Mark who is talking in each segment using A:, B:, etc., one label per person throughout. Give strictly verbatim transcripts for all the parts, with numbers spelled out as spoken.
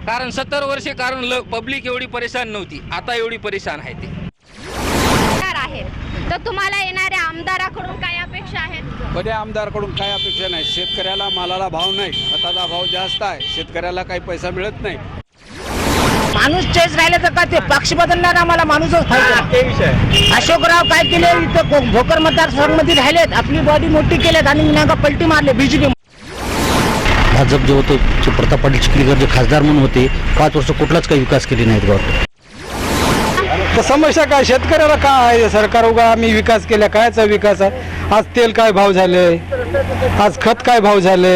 A: कारण सत्तर वर्षे कारण पब्लिक एवढी परेशान नव्हती, आता एवढी परेशान आहे ते
B: आहेत. तर तुम्हाला येणाऱ्या आमदाराकडून काय अपेक्षा आहेत?
C: कधी आमदारकडून काय अपेक्षा नाही. शेतकऱ्याला मालाला भाव नाही, खताचा भाव जास्त आहे, शेतकऱ्याला काही पैसा मिळत नाही.
D: माणूस चेस राहिले तर का ते पक्ष बदलणार, आम्हाला माणूसच पाहिजे. अशोकराव काय केले, इथं भोकर मतदारसंघामध्ये राहिलेत, आपली बॉडी मोठी केलेत आणि नाका पलटी मारले बीजेपी.
E: भाजप जो होतो जे प्रताप पाटील चिखलीकर जे खासदार म्हणून होते, पाच वर्ष कुठलाच काही विकास केले नाहीत गावात.
C: तर समस्या काय, शेतकऱ्याला काय आहे, सरकार उगा आम्ही विकास केला, कायचा विकास आहे. आज तेल काय भाव झाले, आज खत काय भाव झाले.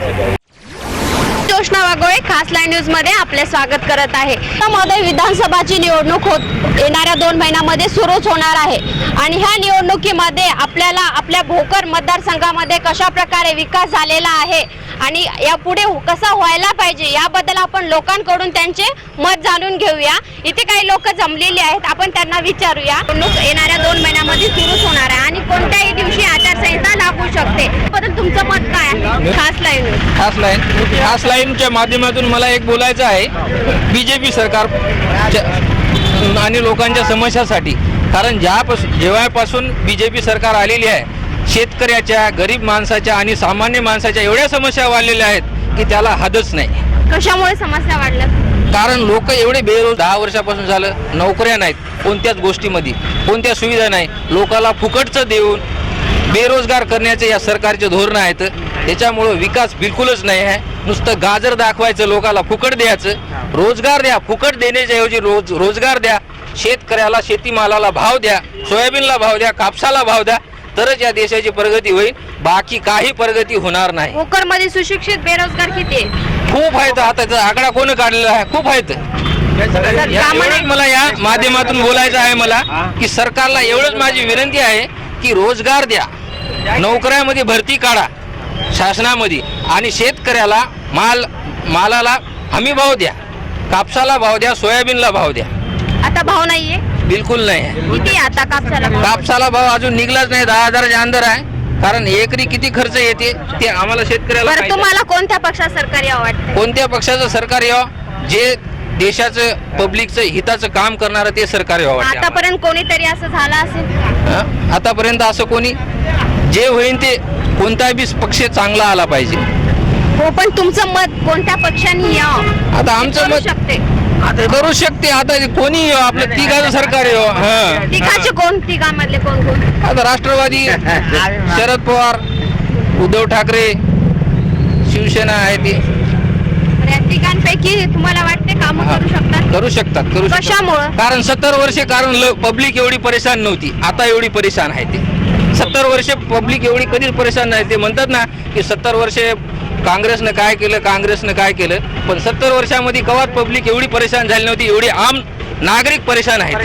B: जोशना वागोळे खास लाईव्ह न्यूज मध्ये आपले स्वागत करत आहे. मध्ये विधानसभाची निवडणूक होत येणाऱ्या दोन महिन्यामध्ये सुरूच होणार आहे आणि ह्या निवडणुकीमध्ये आपल्याला आपल्या भोकर मतदारसंघामध्ये कशा प्रकारे विकास झालेला आहे आणि यापुढे कसा व्हायला पाहिजे याबद्दल आपण लोकांकडून त्यांचे मत जाणून घेऊया. इथे काही लोक जमलेले आहेत, आपण त्यांना विचारूया. निवडणूक येणाऱ्या दोन महिन्यामध्ये सुरूच होणार आहे आणि कोणत्याही दिवशी आचारसंहिता लागू शकते. बद्दल तुमचं मत काय आहे? खास लाईव्ह न्यूज
A: खास लाईन खास लाईनच्या माध्यमातून मला एक बोलायचं आहे बीजेपी सरकार आणि लोकांच्या समस्यासाठी. कारण ज्यापासून जेव्हापासून बीजेपी सरकार आलेली आहे, शेतकऱ्याच्या, गरीब माणसाच्या आणि सामान्य माणसाच्या एवढ्या समस्या वाढलेल्या आहेत की त्याला हदच नाही.
B: कशामुळे समस्या वाढल्या?
A: कारण लोक एवढे बेरोज दहा वर्षापासून झालं, नोकऱ्या नाहीत, कोणत्याच गोष्टीमध्ये कोणत्या सुविधा नाही, लोकाला फुकटचं देऊन बेरोजगार करण्याचे या सरकारचे धोरण आहेत. त्याच्यामुळं विकास बिलकुलच नाही आहे. नुसतं गाजर दाखवायचं, लोकाला फुकट द्यायचं. रोजगार द्या, फुकट देण्याच्या ऐवजी रोज रोजगार द्या. शेतकऱ्याला शेतीमालाला भाव द्या, सोयाबीनला भाव द्या, कापसाला भाव द्या, तरच या देशाची प्रगती होईल. बाकी काही प्रगती होणार नाही.
B: भोकरमध्ये सुशिक्षित बेरोजगार किती आहे?
A: खूप आहेत. आता त्याचा आकडा कोण काढलेला आहे? खूप आहेत. एवढंच मला या माध्यमातून बोलायचं आहे मला की सरकारला एवढंच माझी विनंती आहे की रोजगार द्या, नोकऱ्यामध्ये भरती काढा शासनामध्ये आणि शेतकऱ्याला माल मालाला हमी भाव द्या, कापसाला भाव द्या, सोयाबीनला भाव द्या.
B: आता भाव नाहीये,
A: बिलकुल नाही आहे.
B: किती आता कापसाला भाव?
A: कापसाला भाव अजून निघलाच नाही, दहा हजाराच्या अंदर आहे. कारण एकरी किती खर्च येते ते आम्हाला शेतकऱ्याला
B: बरं,
A: माहिती आहे.
B: तुम्हाला कोणत्या पक्षात सरकार यावं वाटतं?
A: कोणत्या पक्षाचं सरकार यावं? जे देशाचं पब्लिकचं हिताचं काम करणारं ते सरकार यावं वाटतं.
B: आतापर्यंत कोणीतरी असं झालं असेल?
A: हं? आतापर्यंत असं कोणी जे होईल ते कोणताही बी पक्ष चांगला आला पाहिजे.
B: हो, पण तुमचं मत कोणत्या पक्षाने यावं?
A: आता आमचं
B: करू
A: मत
B: शकते
A: आता करू शकते. आता कोणी येऊ, आपलं तिघाचं सरकार येऊ. हं.
B: तिघाचे कोण? तिघामधले कोण कोण?
A: आता राष्ट्रवादी, शरद पवार, उद्धव ठाकरे, शिवसेना आहे ती.
B: या तिघांपैकी तुम्हाला वाटते काम करू शकतात?
A: करू शकतात करू शकतात.
B: कशामुळं?
A: कारण सत्तर वर्षे कारण पब्लिक एवढी परेशान नव्हती, आता एवढी परेशान आहे ते. सत्तर वर्षे पब्लिक एवढी कधीच परेशान नाही. ते म्हणतात ना की सत्तर वर्षे काँग्रेसनं काय केलं, काँग्रेसनं काय केलं, पण सत्तर वर्षामध्ये कवात पब्लिक एवढी परेशान झाली नव्हती, एवढी आम नागरिक परेशान आहेत.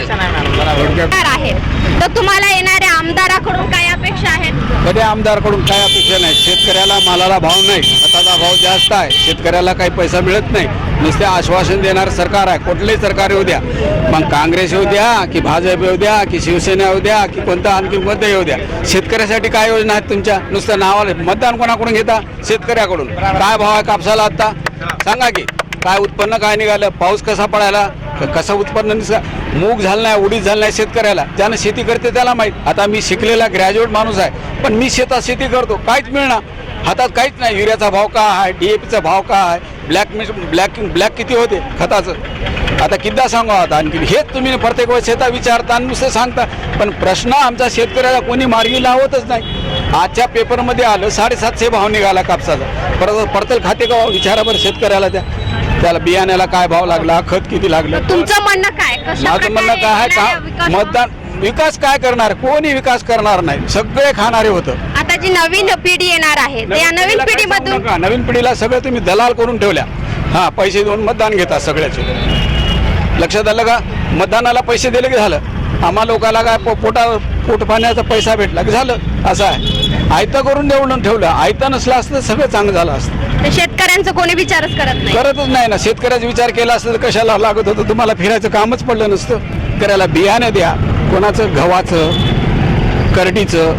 B: आहेत. तर तुम्हाला येणाऱ्या आमदाराकडून काय अपेक्षा आहेत?
C: कधी आमदारकडून काय अपेक्षा नाही. शेतकऱ्याला मालाला भाव नाही, खताचा भाव जास्त आहे, शेतकऱ्याला काही पैसा मिळत नाही. नुसते आश्वासन देणार सरकार आहे. कुठलेही सरकार येऊ द्या, मग काँग्रेस येऊ द्या की भाजप येऊ द्या की शिवसेना येऊ द्या की कोणतं आणखी कोणतं येऊ द्या, शेतकऱ्यासाठी काय योजना आहेत तुमच्या? नुसतं नावाला मतदान कोणाकडून घेता? शेतकऱ्याकडून. काय भाव आहे कापसाला आता सांगा की? काय उत्पन्न काय निघालं? पाऊस कसा पडायला? कसं उत्पन्न निघा? मूग झालं नाही, उडीद झालं नाही शेतकऱ्याला. ज्यानं शेती करते त्याला माहीत. आता मी शिकलेला ग्रॅज्युएट माणूस आहे, पण मी शेतात शेती करतो, काहीच मिळणार हातात, काहीच नाही. युरियाचा भाव काय आहे, डी ए पीचा भाव काय आहे, ब्लॅक मिश ब्लॅक ब्लॅक किती होते खताचं, आता किद्दा सांगू आता आणखी. हेच तुम्ही प्रत्येक वेळेस शेता विचारता आणि नुसतं सांगता, पण प्रश्न आमचा शेतकऱ्याला कोणी मार्गी लावतच नाही. आजच्या पेपरमध्ये आलं साडेसातशे भाव निघाला कापसाचा. परत पडतल खाते का विचारा बरं शेतकऱ्याला, त्या त्याला बियाण्याला काय भाव लागला, खत किती लागलं.
B: तुमचं म्हणणं काय?
C: माझं म्हणणं काय आहे का मतदान विकास काय करणार? कोणी विकास करणार नाही, सगळे खाणारे होतं.
B: आता जी नवीन पिढी येणार आहे त्या नवीन पिढीमधून
C: नवीन पिढीला सगळं तुम्ही दलाल करून ठेवल्या. हा, पैसे देऊन मतदान घेतात सगळ्याचे. लक्षात आलं का? मतदानाला पैसे दिले की झालं. आम्हा लोकांना काय पो पोटा पोट पाण्याचा पैसा भेटला की झालं. असं आहे. आयतं करून देऊन ठेवलं. आयतं नसलं असतं तर सगळं चांगलं झालं असतं.
B: शेतकऱ्यांचं कोणी विचारच करत नाही.
C: करतच नाही ना. शेतकऱ्याचा विचार केला असता तर कशाला लागत होतं? तुम्हाला फिरायचं कामच पडलं नसतं. करायला बियाणे द्या, कोणाचं गव्हाचं, करडीचं,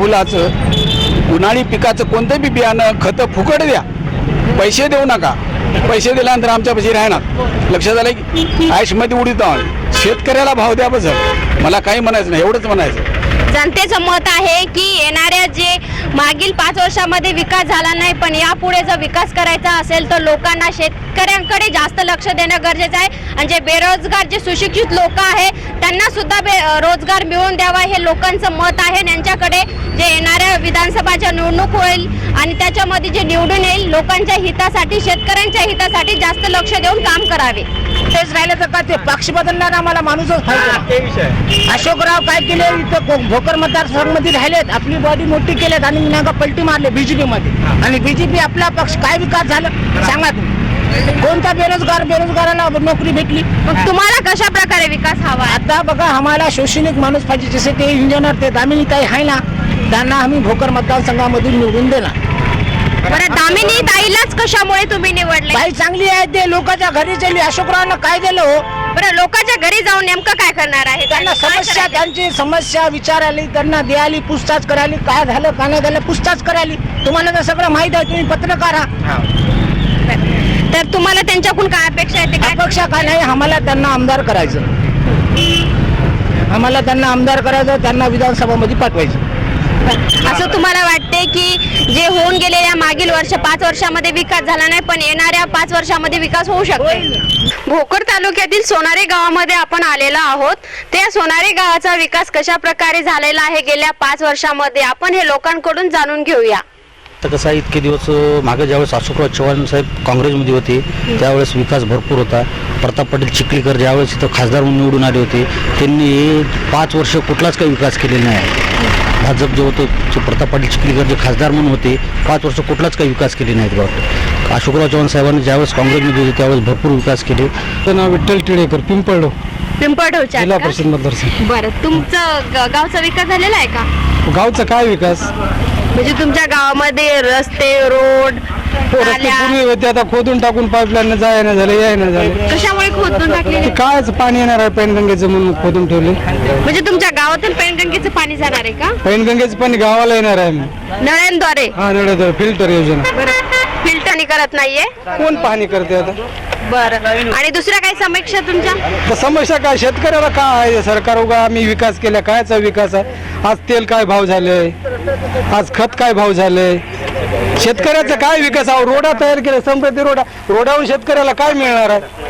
C: सूर्यफुलाचं, उन्हाळी पिकाचं कोणतं बी बियाणं, खतं फुकट द्या, पैसे देऊ नका. पैसे दिल्यानंतर आमच्या पैसे राहणार. लक्षात आलं की आयुष्यमध्ये उडीत आहोत. शेतकऱ्याला भाव द्या बस. मला काही म्हणायचं नाही, एवढंच म्हणायचं.
B: जनतेचं मत आहे की येणाऱ्या जे मागील पाच वर्षामध्ये विकास झाला नाही, पण यापुढे जर विकास करायचा असेल तर लोकांना शेतकऱ्यांकडे जास्त लक्ष देणं गरजेचं आहे. आणि जे बेरोजगार जे सुशिक्षित लोक आहेत त्यांना सुद्धा बे रोजगार मिळवून द्यावा हे लोकांचं मत आहे. त्यांच्याकडे जे येणाऱ्या विधानसभाच्या निवडणूक होईल आणि त्याच्यामध्ये जे निवडून येईल लोकांच्या हितासाठी शेतकऱ्यांच्या हितासाठी जास्त लक्ष देऊन काम करावे.
D: तेच राहिलं तर का ते पक्ष बदलणार आम्हाला माणूसच पाहिजे. अशोकराव काय केले इथं को- भोकर मतदारसंघामध्ये राहिलेत, आपली बॉडी मोठी केलेत आणि नाका पलटी मारले बीजेपी मध्ये. आणि बीजेपी आपला पक्ष काय विकास झालं सांगा तुम्ही. कोणता बेरोजगार बेरोजगाराला नोकरी भेटली.
B: मग तुम्हाला कशा प्रकारे विकास हवा आहे?
D: आता बघा आम्हाला शैक्षणिक माणूस पाहिजे. जसे ते इंजिनियर ते दामिनी ताई आहे ना, त्यांना आम्ही भोकर मतदारसंघामधून निवडून देणार.
B: बरं, दामिनी ताईलाच कशामुळे तुम्ही निवडले?
D: बाई चांगली आहे, ते लोकांच्या घरी गेली. अशोकरावांना काय दिलं हो.
B: बरं, लोकांच्या घरी जाऊन नेमकं काय करणार आहे?
D: त्यांना
B: काय
D: समस्या
B: करायचं?
D: त्यांची समस्या विचाराली, त्यांना द्याली, पूछताछ करायली, काय झालं काय नाही झालं पूछताछ करायली. तुम्हाला तर सगळं माहित आहे, तुम्ही पत्रकार आहात.
B: तर तुम्हाला त्यांच्याकडून काय अपेक्षा आहे ते काय?
D: अपेक्षा काय नाही, आम्हाला त्यांना आमदार करायचं. आम्हाला त्यांना आमदार करायचं, त्यांना विधानसभामध्ये पाठवायचं.
B: असं तुम्हाला वाटते की जे होऊन गेलेल्या मागील वर्ष पाच वर्षामध्ये विकास झाला नाही, पण येणाऱ्या पाच वर्षामध्ये विकास होऊ शकतो? भोकर तालुक्यातील सोनारे गावामध्ये आपण आलेलो आहोत. त्या सोनारे गावाचा विकास कशा प्रकारे झालेला आहे गेल्या पाच वर्षामध्ये आपण हे लोकांकडून जाणून घेऊया.
E: तर कसं आहे, इतके दिवस मागे ज्यावेळेस अशोकराव चव्हाण साहेब काँग्रेसमध्ये होते त्यावेळेस विकास भरपूर होता. प्रताप पाटील चिखलीकर ज्यावेळेस इथं खासदार म्हणून निवडून आले होते त्यांनी पाच वर्ष कुठलाच काही विकास केलेला नाही. भाजप जे होतं जे प्रताप पाटील चिखलीकर जे खासदार म्हणून होते पाच वर्ष कुठलाच काही विकास केले नाहीत गावात. अशोकराव चव्हाण साहेबांनी ज्यावेळेस काँग्रेसमध्ये होते त्यावेळेस भरपूर विकास केले.
F: माझं नाव विठ्ठल टिळेकर, पिंपळडो,
B: पिंपळढोच्या
F: जिल्हा
B: का?
F: परिषद मतदारसंघ.
B: बरं, तुमचं ग- गावचा विकास झालेला आहे का?
F: गावचा काय विकास?
B: म्हणजे तुमच्या गावामध्ये रस्ते, रोड,
F: हो, रस्ते
B: नाल्या
F: पूर्वी होते, आता खोदून टाकून पाईपलाईन जाय ना झालं याय ना झालं.
B: कशामुळे खोदून टाकलेले?
F: ते कायच पाणी येणार आहे पैनगंगेचं म्हणून खोदून ठेवले.
B: म्हणजे तुमच्या गावातून पैनगंगेचं पाणी जाणार आहे का?
F: पैनगंगेचं पाणी गावाला येणार आहे.
B: नळ्यांद्वारे?
F: हा नळ फिल्टर योजना.
B: फिल्टरनी करत नाहीये?
F: कोण पाहणी करते आता?
B: बरं, आणि दुसऱ्या काही समीक्षा तुमच्या?
F: तर समस्या काय शेतकऱ्याला काय आहे? सरकार उगा आम्ही विकास केला, कायचा विकास आहे? आज तेल काय भाव झाले, आज खत काय भाव झाले, शेतकऱ्याचा काय विकास आहे? रोडा तयार केले, समृद्धी रोडा, रोडावरून शेतकऱ्याला काय मिळणार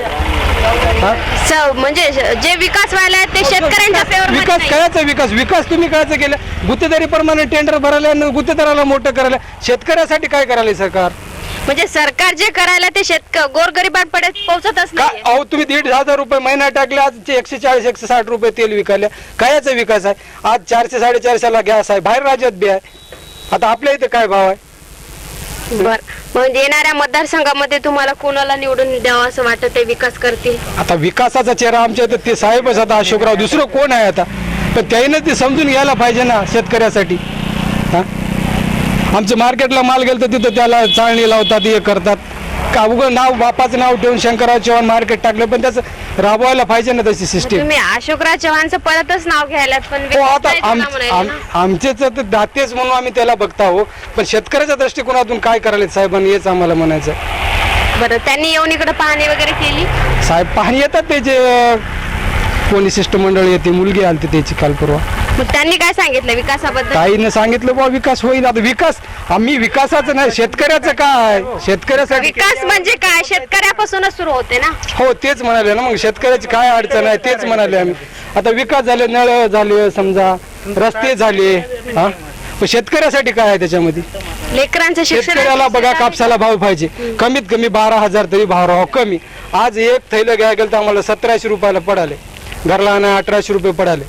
F: आहे? हा?
B: स- म्हणजे श- जे विकास व्हायला आहे ते शेतकऱ्यांच्या फेवर
F: विकास कायचा विकास? विकास तुम्ही कायचा केला? गुत्तेदारी प्रमाणे टेंडर भरायला आणि गुत्तेदाराला मोठं करायला. शेतकऱ्यासाठी काय करायला सरकार?
B: म्हणजे सरकार जे करायला ते शेतक गोरगरिबांकडे पोहोचतच
F: का
B: नाही.
F: अहो तुम्ही दीड हजार रुपये महिना टाकले, आज एकशे चाळीस एकशे साठ रुपये तेल विकायला. कायचा विकास आहे? आज चारशे साडेचारशेला गॅस आहे, बाहेर राज्यात बी आहे. आता आपल्या इथे काय भाव आहे?
B: बर, म्हणजे येणाऱ्या मतदारसंघामध्ये तुम्हाला कोणाला निवडून द्यावं असं वाटत आहे विकास करतील?
F: आता विकासाचा चेहरा आमच्या इथं ते साहेबच आता अशोकराव, दुसरं कोण आहे आता? पण त्याने ते समजून घ्यायला पाहिजे ना शेतकऱ्यासाठी. हा, आमचं मार्केटला माल गेलं तर तिथं त्याला चाळणी लावतात, हे करतात. का उगं नाव बापाचं नाव ठेवून शंकरराव चव्हाण मार्केट टाकलं, पण त्याचं राबवायला पाहिजे ना तशी सिस्टीम.
B: तुम्ही अशोकराव चव्हाणचं परतच नाव घ्यायलात, पण
F: हो
B: विकास
F: आता
B: नाही
F: आम-
B: तुला म्हणायला
F: आम-
B: ना.
F: आमचेच तर दातेच म्हणून आम्ही त्याला बघता हो, पण शेतकऱ्याच्या दृष्टिकोनातून काय करायला साहेबांनी हेच आम्हाला म्हणायचं.
B: बरं, त्यांनी येऊन इकडे पाहणी वगैरे केली?
F: साहेब पाहणी येतात त्याचे, कोणी शिष्टमंडळ येते, मुलगी आलती त्याची काल परवा.
B: मग त्यांनी काय सांगितलं विकासाबद्दल?
F: ताईनं सांगितलं बा विकास होईल. आता विकास आम्ही विकासाचं नाही, शेतकऱ्याचं काय? शेतकऱ्यासाठी
B: विकास म्हणजे काय? शेतकऱ्यापासूनच सुरू होते ना.
F: हो तेच म्हणाले ना, मग शेतकऱ्याची काय अडचण आहे तेच म्हणाले आम्ही. आता विकास झाले, नळ झाले, समजा रस्ते झाले, हा, पण शेतकऱ्यासाठी काय आहे त्याच्यामध्ये?
B: लेकरांचं शिक्षण
F: शेतकऱ्याला बघा कापसाला भाव पाहिजे, कमीत कमी बारा हजार तरी भाव राहावा कमी. आज एक थैलं घ्यायला गेलं तर आम्हाला सतराशे रुपयाला पडाले, घरला आणा अठराशे रुपये पडाले.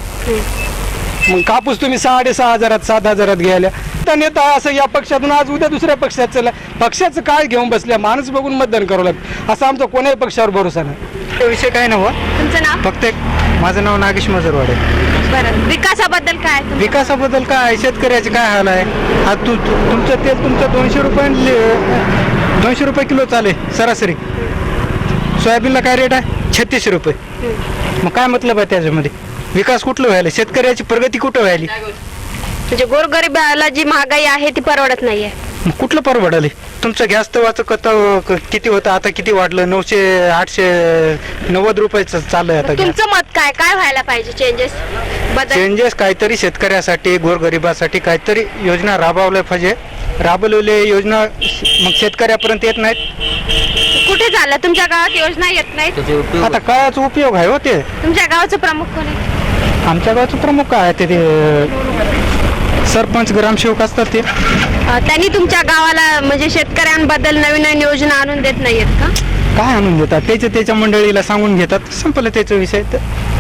F: मग कापूस तुम्ही साडेसहा हजारात सात हजारात घ्यायला तर नेता असं या पक्षातून आज उद्या दुसऱ्या पक्षात चला. पक्षाचं काय घेऊन बसल्या, माणूस बघून मतदान करावं लागतं. असं आमचा कोणाही पक्षावर भरोसा नाही.
G: तो विषय काय नव्हता,
B: तुमचं नाव?
G: फक्त एक माझं नाव नागेश मजरवाडे.
B: बरं, विकासाबद्दल काय तुमचं?
G: विकासाबद्दल काय, शेतकऱ्याचे काय हाल आहे? आज तू तू- तुमचं तेच तुमचं दोनशे रुपये दोनशे रुपये किलो चाले सरासरी. सोयाबीनला काय रेट आहे? छत्तीसशे रुपये. मग काय मतलब आहे त्याच्यामध्ये? विकास कुठलं व्हायला? शेतकऱ्याची प्रगती कुठं व्हायली?
B: म्हणजे गोरगरिबाला जी महागाई आहे ती परवडत नाहीये.
G: मग कुठलं परवडाले? तुमचं गॅस तवाचं कत क- किती होतं, आता किती वाढलं? नऊशे आठशे नव्वद रुपयाचं चाललंय आता गॅस.
B: तुमचं मत काय काय व्हायला पाहिजे चेंजेस बदल?
G: चेंजेस काहीतरी शेतकऱ्यासाठी गोरगरिबासाठी काहीतरी योजना राबवल्या पाहिजे. राबवलेले योजना मग शेतकऱ्यापर्यंत येत नाहीत.
B: कुठे झालं तुमच्या गावात योजना येत नाहीत?
A: त्याचे उपयोग
G: आता कायच उपयोग आहे हो ते.
B: तुमच्या गावाचं प्रमुख कोण आहे?
G: आमच्या गावचं प्रमुख काय आहे ते ते सरपंच ग्रामसेवक असतात ते.
B: अ, त्यांनी तुमच्या गावाला म्हणजे शेतकऱ्यांबद्दल नवीन नवीन योजना आणून देत नाहीयेत का?
G: काय आणून देतात? त्याच्या त्याच्या मंडळीला सांगून घेतात, संपलं त्याचा विषय. तर